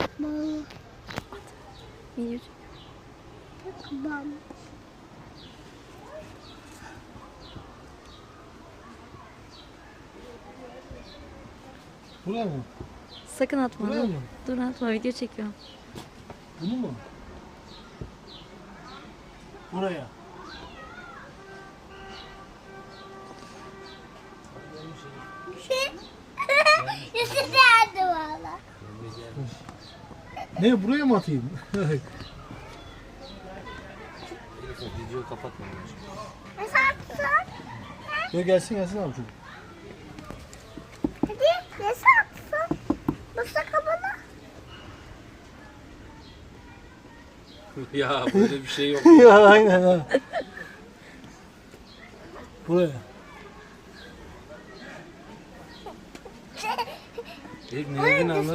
Bal. Video Bal. Buraya mı? Sakın atma. Buraya Dur. mı? Dur atma, video çekiyorum. Bunu mu? Buraya. Yüzü nerede valla? Ne buraya mı atayım? Videoyu kapatma. Nasıl atsın? Yok gelsin gelsin abi çocuk. Hadi nasıl atsın? Nasıl kapalı? Ya böyle bir şey yok. Ya aynen ha. Buraya. Ne dediğini anladın.